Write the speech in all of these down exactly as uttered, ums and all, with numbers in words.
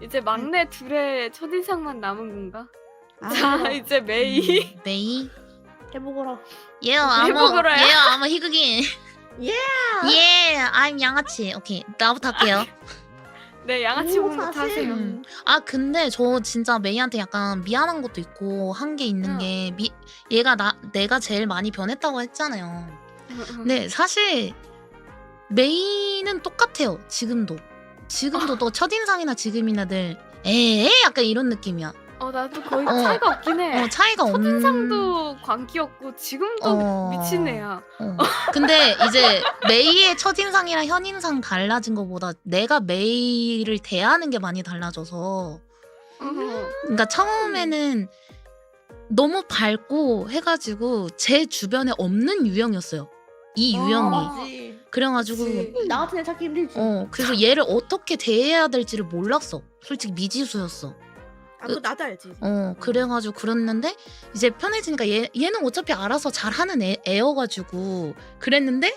이제 막내 둘의 첫인상만 남은 건가? 아, 자 이제 메이. 음, 메이. 해보거라. 예요 아무 해보거라요? 예요 아무 희극인. 예. 예, I'm 양아치. 오케이 나부터 할게요. 네 양아치 오, 공부터 사실. 하세요. 음. 아 근데 저 진짜 메이한테 약간 미안한 것도 있고 한 게 있는 응. 게 미, 얘가 나 내가 제일 많이 변했다고 했잖아요. 응. 근데 사실 메이는 똑같아요. 지금도 지금도 또 첫인상이나 지금이나 늘 에에 약간 이런 느낌이야. 어 나도 거의 어. 차이가 없긴 해. 어 차이가 없는. 첫인상도 광기였고 지금도 어. 미친 애야. 어. 근데 이제 메이의 첫인상이랑 현인상 달라진 것보다 내가 메이를 대하는 게 많이 달라져서. 어. 그러니까 처음에는 너무 밝고 해가지고 제 주변에 없는 유형이었어요. 이 유형이. 어. 그치. 그래가지고 그치. 나 같은 애 찾기 힘들지. 어 그래서 얘를 어떻게 대해야 될지를 몰랐어. 솔직히 미지수였어. 아, 그거 나도 알지. 어 그래가지고 그랬는데 이제 편해지니까 얘, 얘는 어차피 알아서 잘하는 애, 애여가지고 그랬는데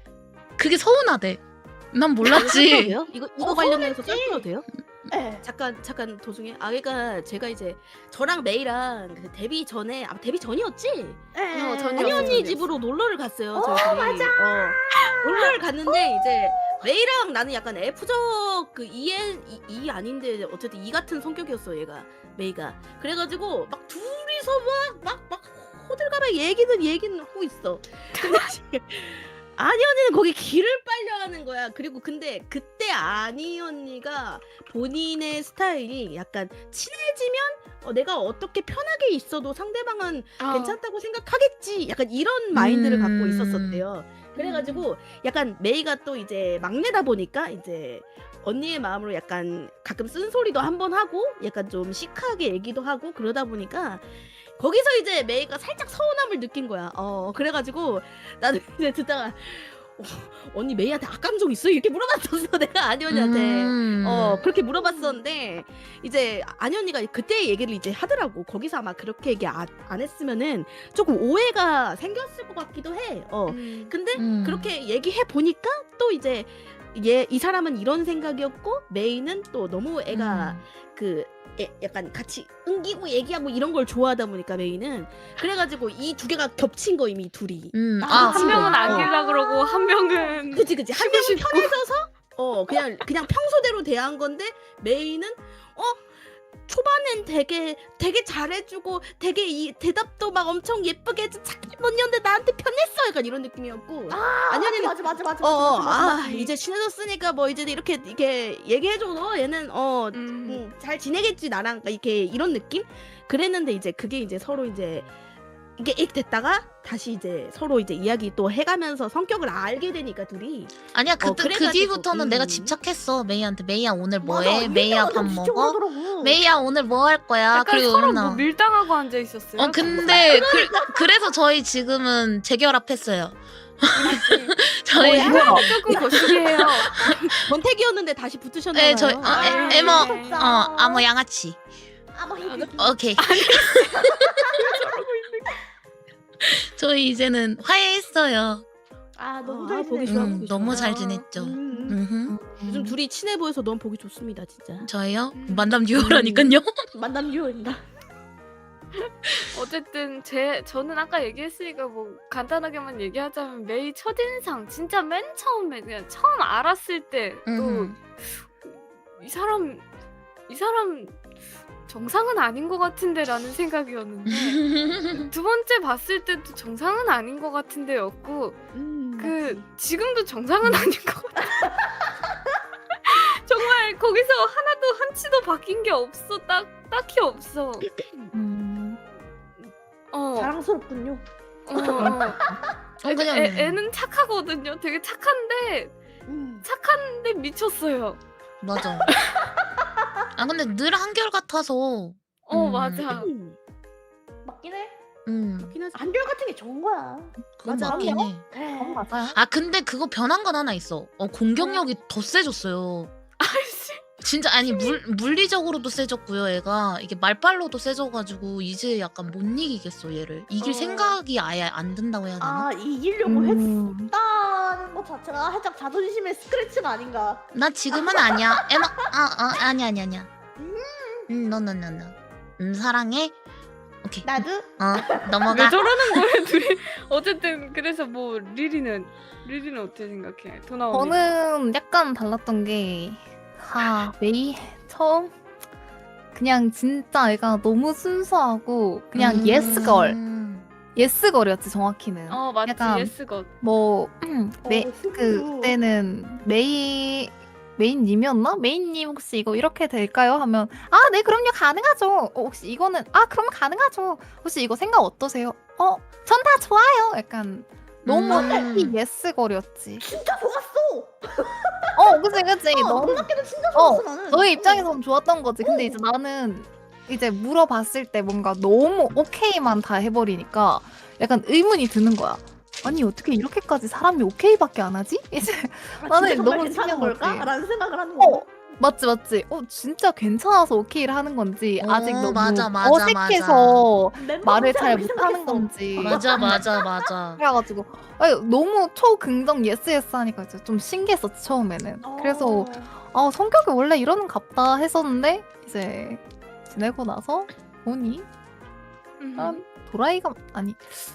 그게 서운하대. 난 몰랐지. 돼요? 이거 이거 어, 관련해서 썰풀어도 돼요? 예. 잠깐 잠깐 도중에 아 그러니까 제가 이제 저랑 메이랑 그 데뷔 전에 아 데뷔 전이었지? 예. 어, 전혀 한이 전이었어, 언니 전이었어. 집으로 놀러를 갔어요. 어, 저희들이. 맞아. 어, 놀러를 갔는데 이제 메이랑 나는 약간 F적 그 E엔 E, E 아닌데 어쨌든 E 같은 성격이었어 얘가 메이가. 그래가지고 막 둘이서 막막막 막 호들갑에 얘기는 얘기는 하고 있어. 근데 지금 아니 언니는 거기 길을 빨려 하는 거야. 그리고 근데 그때 아니 언니가 본인의 스타일이 약간 친해지면 어, 내가 어떻게 편하게 있어도 상대방은 어. 괜찮다고 생각하겠지. 약간 이런 마인드를 음. 갖고 있었었대요. 그래가지고 약간 메이가 또 이제 막내다 보니까 이제 언니의 마음으로 약간 가끔 쓴소리도 한번 하고 약간 좀 시크하게 얘기도 하고 그러다 보니까 거기서 이제 메이가 살짝 서운함을 느낀 거야. 어 그래가지고 나도 이제 듣다가 어, 언니 메이한테 악감정 있어? 이렇게 물어봤었어 내가 아니 언니한테. 음. 어 그렇게 물어봤었는데 이제 아니 언니가 그때 얘기를 이제 하더라고. 거기서 아마 그렇게 얘기 안, 안 했으면은 조금 오해가 생겼을 것 같기도 해. 어 음. 근데 음. 그렇게 얘기해 보니까 또 이제 얘 이 사람은 이런 생각이었고 메이는 또 너무 애가 음. 그 애- 약간 같이 응기고 얘기하고 이런 걸 좋아하다 보니까 메이는 그래가지고 이 두 개가 겹친 거 이미 둘이. 음. 아, 아, 한 명은 어. 아끼려 그러고 한 명은 그치 그치 한 명은 편해져서 어 그냥 그냥 평소대로 대한 건데 메이는 어 초반엔 되게 되게 잘해주고 되게 이 대답도 막 엄청 예쁘게 해서 착한 언니였는데 나한테 편했어 약간 이런 느낌이었고 아, 아니, 맞지, 아니, 맞지, 맞지, 맞지, 어, 어, 맞지, 맞지, 아 맞지. 이제 친해졌으니까 뭐 이제 이렇게 이렇게 얘기해줘 너 얘는 어 음. 음, 잘 지내겠지 나랑 이렇게 이런 느낌 그랬는데 이제 그게 이제 서로 이제 이게 익 됐다가 다시 이제 서로 이제 이야기 또 해가면서 성격을 알게 되니까 둘이 아니야 그, 어, 그 그래가지고, 뒤부터는 음. 내가 집착했어 메이한테. 메이야 오늘 맞아, 뭐해? 이 메이야 얘기가 밥 진짜 먹어? 그러더라고. 메이야 오늘 뭐 할 거야? 약간 그리고 서로 맨날 뭐 밀당하고 앉아 있었어요. 어 근데 그, 그래서 저희 지금은 재결합했어요. 저희 뭐야? 이거 조금 거시기해요. 권태기였는데 다시 붙으셨나봐요. 네 저희 어, 아, 에, 예. 에머 진짜. 어 아무 양아치. 아, 뭐 이게 오케이. 저희 이제는 화해했어요. 아, 너무 아, 잘 보기 지냈어. 좋아, 음, 보기 너무 좋아. 잘 지냈죠. 음. 음흠. 요즘 둘이 친해 보여서 너무 보기 좋습니다 진짜. 저희요? 음. 만남 듀오라니까요. 만남 유효입니다. 어쨌든 제 저는 아까 얘기했으니까 뭐 간단하게만 얘기하자면 메이 첫인상 진짜 맨 처음에 그냥 처음 알았을 때 또 이 음흠. 사람 이 사람 정상은 아닌 것 같은데라는 생각이었는데 두 번째 봤을 때도 정상은 아닌 것 같은데였고 음, 그 맞지. 지금도 정상은 아닌 것 같아. 정말 거기서 하나도 한치도 바뀐 게 없어. 딱 딱히 없어. 음. 어. 자랑스럽군요. 어, 어. 어 그냥 애, 애는 착하거든요. 되게 착한데 음. 착한데 미쳤어요. 맞아. 아 근데 늘 한결 같아서. 어 음. 맞아. 음. 맞긴 해. 음. 그렇긴 하지. 한결 같은 게 좋은 거야. 그건 맞아. 맞긴 해. 그래. 맞아요. 아 근데 그거 변한 건 하나 있어. 어 공격력이 더 세졌어요. 아이씨. 진짜 아니 물 물리적으로도 세졌고요. 애가 이게 말빨로도 세져가지고 이제 약간 못 이기겠어 얘를. 이길 어. 생각이 아예 안 든다고 해야 되나? 아, 이기려고 음. 했다는 것 자체가 살짝 자존심의 스크래치가 아닌가. 나 지금은 아니야. 에마 아, 아 아니 아니 아니야. 음, 너너너너. 음, 사랑해. 오케이. 나도 어, 왜 넘어가. 저러는 거예요 둘이? 어쨌든 그래서 뭐 리리는 리리는 어떻게 생각해? 도나 언니. 저는 약간 달랐던 게, 하, 메이 처음 그냥 진짜 애가 너무 순수하고 그냥 음. 예스걸, 예스걸이었지 정확히는. 어 맞지 약간 예스것. 뭐 메, 어, 그 순수. 그때는 메이 메인님이었나? 메인님 혹시 이거 이렇게 될까요? 하면 아, 네 그럼요 가능하죠. 어, 혹시 이거는 아 그럼 가능하죠. 혹시 이거 생각 어떠세요? 어, 전 다 좋아요. 약간 너무 음. 해피 예스걸이었지. 진짜 좋았어. 어, 그치 그치. 어, 너무 놀랍게도 진짜 어, 좋았어 나는. 너의 입장에서는 좋았던 거지. 근데 이제 나는 이제 물어봤을 때 뭔가 너무 오케이만 다 해버리니까 약간 의문이 드는 거야. 아니 어떻게 이렇게까지 사람이 오케이밖에 안 하지? 이제 아, 나는 진짜 정말 너무 괜찮은 신기한 걸까? 거지. 라는 생각을 하는 어, 거야. 맞지 맞지. 어, 진짜 괜찮아서 오케이를 하는 건지 어, 아직 너무 맞아, 맞아, 어색해서 멤버 말을 잘 생각했어. 못하는 건지. 맞아, 맞아, 맞아. 그래가지고 아니, 너무 초긍정 예스 예스 하니까 이제 좀 신기했었지 처음에는. 그래서 어. 아, 성격이 원래 이러는 갑다 했었는데 이제 지내고 나서 보니 음. 아, 도라이가 아니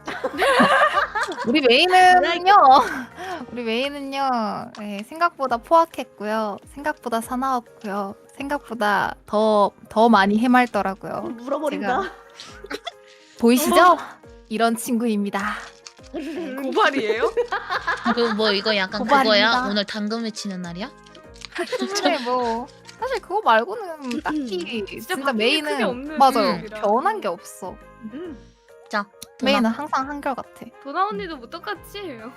우리 메이는요 우리 메이는요 예, 생각보다 포악했고요, 생각보다 사나웠고요, 생각보다 더 더 많이 해맑더라고요. 물어버린다. 보이시죠? 이런 친구입니다. 고발이에요? 그 뭐 이거 약간 고발입니다. 그거야? 오늘 당근 외치는 날이야? 근데 뭐 사실 그거 말고는 딱히 진짜 진짜 바뀐 게 크게 메이는 없는 맞아요. 분이라. 변한 게 없어. 음. 자, 메이는 항상 한결같아. 도나 언니도 뭐 똑같지?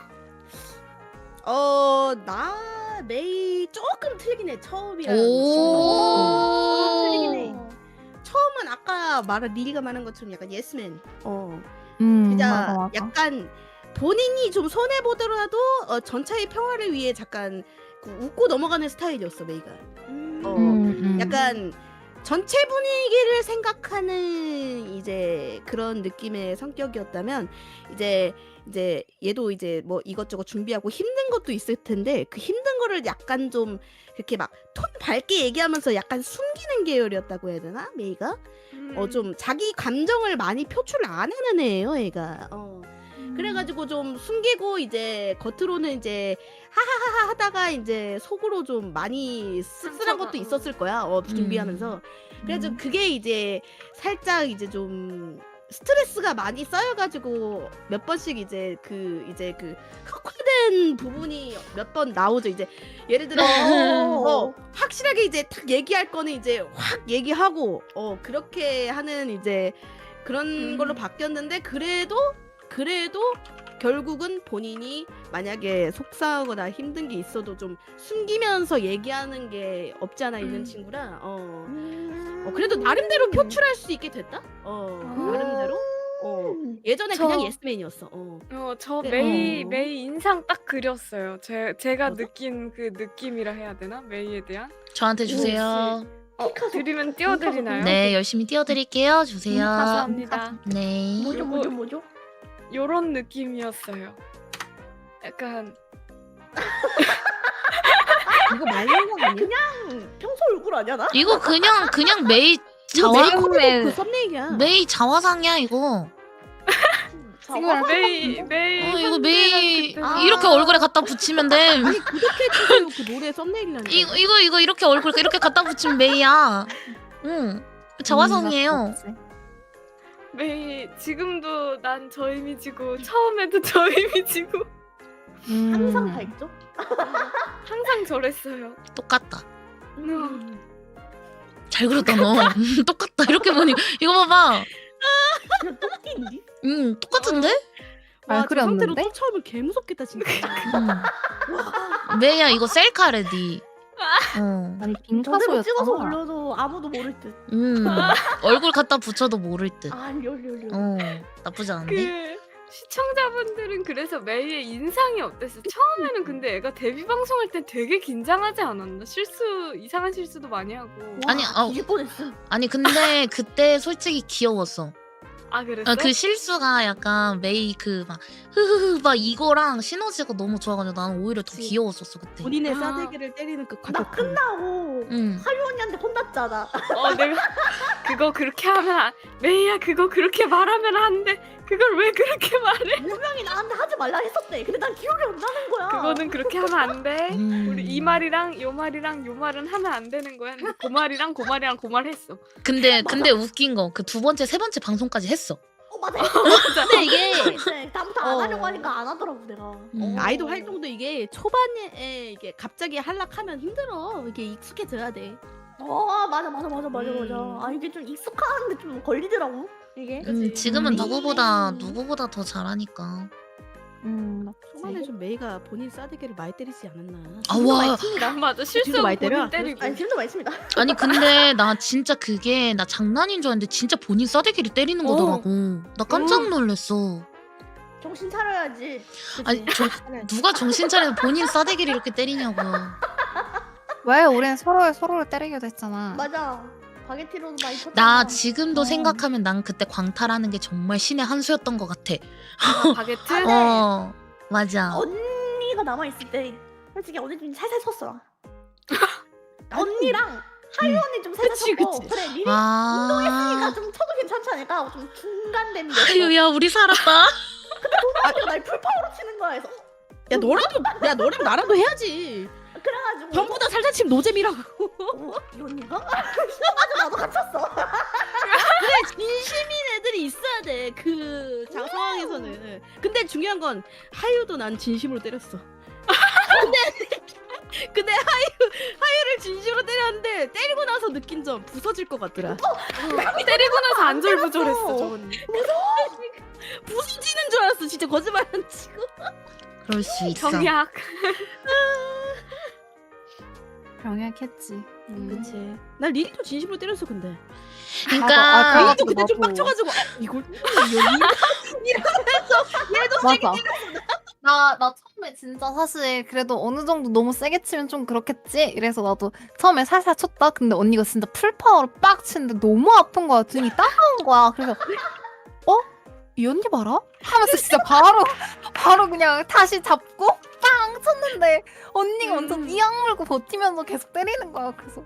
어, 나 메이 조금 틀리긴 해. 처음이랑 오. 틀리긴 해. 처음은 아까 말한 리리가 말한 것처럼 약간 예스맨. 어. 음, 진짜 맞아, 맞아. 약간 본인이 좀 손해 보더라도 어, 전차의 평화를 위해 잠깐 그 웃고 넘어가는 스타일이었어 메이가. 음. 어. 음, 음. 약간 전체 분위기를 생각하는 이제 그런 느낌의 성격이었다면 이제 이제 얘도 이제 뭐 이것저것 준비하고 힘든 것도 있을 텐데 그 힘든 거를 약간 좀 이렇게 막 톤 밝게 얘기하면서 약간 숨기는 계열이었다고 해야 되나 메이가? 음. 어 좀 자기 감정을 많이 표출을 안 하는 애예요 얘가. 어. 그래가지고 좀 숨기고 이제 겉으로는 이제 하하하하 하다가 이제 속으로 좀 많이 씁쓸한 것도 상처가, 있었을 거야. 어, 준비하면서. 그래서 음. 그게 이제 살짝 이제 좀 스트레스가 많이 쌓여가지고 몇 번씩 이제 그 이제 그 흑화된 부분이 몇 번 나오죠. 이제 예를 들어 어, 확실하게 이제 딱 얘기할 거는 이제 확 얘기하고 어 그렇게 하는 이제 그런 음. 걸로 바뀌었는데 그래도 그래도 결국은 본인이 만약에 속상하거나 힘든 게 있어도 좀 숨기면서 얘기하는 게 없지 않아 있는 음. 친구라 어. 음. 어 그래도 나름대로 표출할 수 있게 됐다. 어 아. 나름대로. 어 예전에 저- 그냥 예스맨이었어. 어. 어, 저 네, 메이 어. 메이 인상 딱 그렸어요. 제 제가 맞아? 느낀 그 느낌이라 해야 되나? 메이에 대한? 저한테 주세요. 어, 픽하소. 드리면 띄워드리나요? 네, 열심히 띄워드릴게요. 주세요. 감사합니다. 네. 뭐죠 요거- 뭐죠 뭐죠? 요런 느낌이었어요. 약간 이거 말린 거 아니야? 음, 평소 얼굴 아니야 나? 이거 그냥 그냥 메이 이거 자화 메이 처음에- 그 썸네일이야. 메이 자화상이야 이거. 지금 메이 메이 어, 이거 현재랑 메이 그때 아. 이렇게 얼굴에 갖다 붙이면 돼. 아니 구독해 주세요. 그 노래 썸네일이라는. 이거 이거 이거 이렇게 얼굴 이렇게 갖다 붙이면 메이야. 응. 자화상이에요. 메이 지금도 난 저 이미지고 처음에도 저 이미지고 음. 항상 밝죠? 항상 저랬어요. 똑같다. 음. 잘 그렸다 너. 똑같다. 이렇게 보니 이거 봐봐. 그냥 똥띠인지? 음 똑같은데? 잘 와, 저 상태로 그렸는데? 또 처음에 개 무섭겠다 진짜. 음. 메이야 이거 셀카래 니. 어. 아니 저대로 빙카소였잖아. 찍어서 올려도 아무도 모를 듯. 음. 얼굴 갖다 붙여도 모를 듯. 아 렬렬렬. 어. 나쁘지 않은데? 그 시청자분들은 그래서 메이의 인상이 어땠어? 처음에는 근데 애가 데뷔 방송할 때 되게 긴장하지 않았나? 실수 이상한 실수도 많이 하고. 아니, 아, 뒤질 뻔했어. 아니 근데 그때 솔직히 귀여웠어. 아 그랬어? 어, 그 실수가 약간 메이 그 막 흐흐흐 막 이거랑 시너지가 너무 좋아가지고 나는 오히려 더 그치. 귀여웠었어 그때. 본인의 아. 싸대기를 때리는 그 나 과격함. 끝나고 응. 하유 언니한테 혼났잖아. 어 내가 그거 그렇게 하면 안... 메이야 그거 그렇게 말하면 안 돼. 그걸 왜 그렇게 말해? 분명히 나한테 하지 말라 했었대. 근데 난 기억이 안 나는 거야. 그거는 그렇게 하면 안 돼. 음. 우리 이 말이랑 요 말이랑 요 말은 하면 안 되는 거야. 근데 그 말이랑 그 말이랑 그 말 했어. 근데 근데 웃긴 거 그 두 번째 세 번째 방송까지 했어. 어 맞아. 근데 이게 이제 다음부터 안 어. 하려고 하니까 안 하더라고 내가. 음. 어. 아이돌 활동도 이게 초반에 이게 갑자기 한락하면 힘들어. 이게 익숙해져야 돼. 어 맞아 맞아 맞아 맞아 음. 맞아. 아 이게 좀 익숙한데 좀 걸리더라고 이게. 음, 지금은 음. 누구보다 누구보다 더 잘하니까. 음, 초반에 좀 메이가 본인 싸대기를 많이 때리지 않았나. 아 와. 아, 맞아 지금도 실수 많이 때려? 본인 때리고. 아니 지금도 많습니다. 아니 근데 나 진짜 그게 나 장난인 줄 알았는데 진짜 본인 싸대기를 때리는 어. 거더라고. 나 깜짝 놀랐어. 정신 차려야지. 그치? 아니 저, 누가 정신 차려서 본인 싸대기를 이렇게 때리냐고. 왜 우리는 서로 서로를 때리기도 했잖아. 맞아. 바게티로도 많이 쳤잖아. 나 지금도 어. 생각하면 난 그때 광탈하는 게 정말 신의 한 수였던 것 같아. 아, 바게트? 네. 어 맞아. 언니가 남아 있을 때 솔직히 언니 좀 살살 쳤어. 언니랑 하유 언니 좀 살살 그치, 쳤고 그치. 그래 리리 아. 운동했으니까 좀 쳐도 괜찮지 않을까? 좀 중간된 데. 아유야 우리 살았다. 언니가 날 풀파워로 치는 거야. 그래서 야 너라도 야 너랑 나랑도 해야지. 그래가지고 전부 다 살살 치면 노잼이라고. 어, 이 언니가? 맞아 나도 갇혔어. 근데 진심인 애들이 있어야 돼. 그 자, 상황에서는. 근데 중요한 건 하유도 난 진심으로 때렸어. 근데 근데 하유 하유를 진심으로 때렸는데 때리고 나서 느낀 점 부서질 것 같더라. 때리고 나서 안절부절했어 저 언니. 부서지는 줄 알았어. 진짜 거짓말 안 치고. 그럴 수 있어. 경약. 병약했지. 음. 그치. 난 리리도 진심으로 때렸어 근데. 그러니까 아, 그- 리리도 그때 좀 나도. 빡쳐가지고 아, 이걸 이러면서 얘도 세게 맞아. 나, 나 처음에 진짜 사실 그래도 어느 정도 너무 세게 치면 좀 그렇겠지? 이래서 나도 처음에 살살 쳤다? 근데 언니가 진짜 풀파워로 빡 치는데 너무 아픈 거야. 등이 따가운 거야. 그래서 어? 이 언니 봐라? 하면서 진짜 바로 바로 그냥 다시 잡고 빵 쳤는데 언니가 음. 완전 이악 물고 버티면서 계속 때리는 거야. 그래서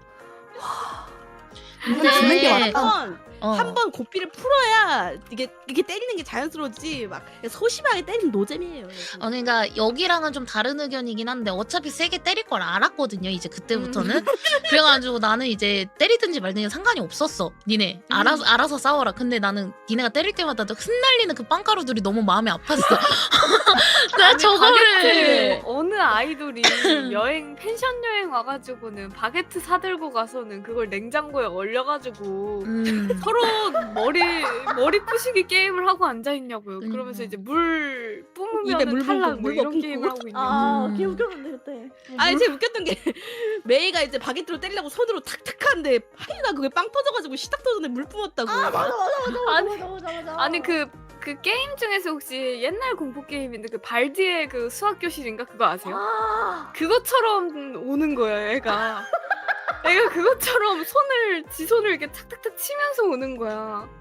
근데 주는 게 맞다. 한번 어. 한번 고삐를 풀어야 이게 이게 때리는 게 자연스러워지 막 소심하게 때리는 노잼이에요. 어, 그러니까 여기랑은 좀 다른 의견이긴 한데 어차피 세게 때릴 걸 알았거든요. 이제 그때부터는. 그래가지고 나는 이제 때리든지 말든지 상관이 없었어. 니네 알아서 알아서 싸워라. 근데 나는 니네가 때릴 때마다 흩날리는 그 빵가루들이 너무 마음이 아팠어. 나 아니, 저거를 바게트 어느 아이돌이 여행 펜션 여행 와가지고는 바게트 사들고 가서는 그걸 냉장고에 얼려가지고 음. 서로 머리 머리 부시기 게임을 하고 앉아 있냐고요. 그러니까. 그러면서 이제 물 입에 뿜으면 물 탈락 붓고, 뭐 물 이런 먹히고. 게임을 하고 있는 거. 아 음. 개웃겼는데 그때. 아니 제일 웃겼던 게 메이가 이제 바게트로 때리려고 손으로 탁탁 하는데 하유가 그게 빵 터져가지고 시딱 터졌는데 물 뿜었다고. 아 맞아 맞아 맞아 아니, 맞아 맞아 맞아. 아니 그 그 게임 중에서 혹시 옛날 공포 게임인데 그 발디의 그 수학 교실인가 그거 아세요? 아 그것처럼 오는 거야 애가. 애가 그것처럼 손을 지 손을 이렇게 탁탁탁 치면서 오는 거야.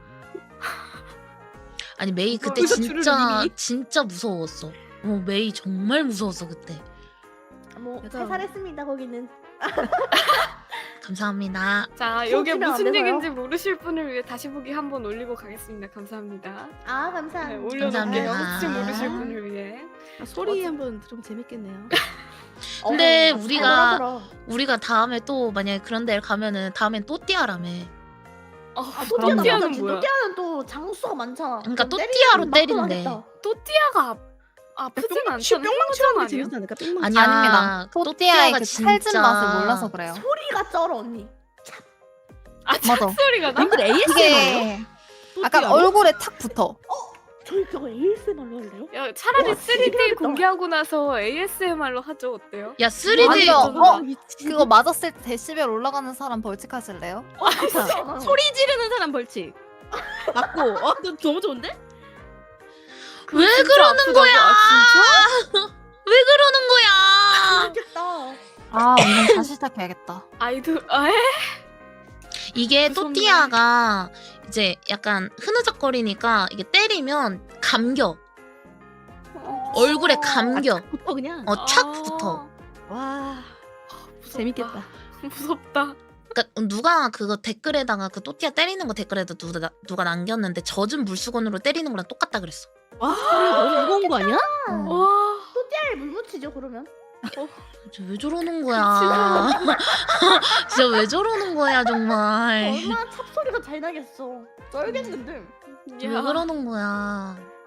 아니 메이 그때 거기서 진짜 줄을 이미? 진짜 무서웠어. 어 메이 정말 무서웠어 그때. 뭐 맞아. 살살했습니다 거기는. 감사합니다. 자, 손 이게 치면 안 무슨 되나요? 얘기인지 모르실 분을 위해 다시 보기 한번 올리고 가겠습니다. 감사합니다. 아 네, 감사합니다. 올려놓을게요. 감사합니다. 혹시 모르실 분을 위해. 아, 소리 한번 들으면 재밌겠네요. 근데 어, 우리가- 잘하더라. 우리가 다음에 또 만약에 그런 데를 가면은 다음엔 또띠아라며. 어, 아 또띠아는 또띠아는 맞아. 뭐야? 또띠아는 또 장수가 많잖아. 그러니까 그럼 또띠아로 때리면 때린대. 맞고 나겠다. 또띠아가 아, 아프진 않잖아. 뿅망 행복한 치는 게 아니야? 재밌지 않을까? 뿅망 아니야. 아닙니다. 또띠아의 그 찰진 진짜- 맛을 몰라서 그래요. 소리가 쩔어 언니. 아, 맞아. 착소리가 나? 님들 에이에스엠러예요? 이게 약간 얼굴에 탁 붙어. 저희 저거 에이에스엠알로 할래요? 야, 차라리 와, 쓰리디 신기하겠다. 공개하고 나서 에이에스엠알로 하죠. 어때요? 야 쓰리디 맞아. 어, 미친. 그거 맞았을 때 데시벨 올라가는 사람 벌칙하실래요? 아, 소리 지르는 사람 벌칙. 맞고. 어, 너 너무 좋은데? 그거 왜 진짜 그러는 아프다고. 거야? 아, 진짜? 왜 그러는 거야? 재밌겠다. 아, 오늘 다시 시작해야겠다. 아이돌 아, 에? 이게 무섭네. 또띠아가 이제 약간 흐느적거리니까 이게 때리면 감겨. 얼굴에 감겨. 붙어 그냥. 어, 착 붙어. 와 무섭다. 재밌겠다. 무섭다. 그러니까 누가 그거 댓글에다가 그 또띠아 때리는 거 댓글에다 누가, 누가 남겼는데 젖은 물수건으로 때리는 거랑 똑같다 그랬어. 와 너무 무거운 거 아니야? 어. 와. 또띠아에 물 묻히죠 그러면. 진짜 왜 저러는 거야. 진짜 왜 저러는 거야 정말. 얼마나 찹소리가 잘 나겠어. 쩔겠는데. 왜 그러는 거야.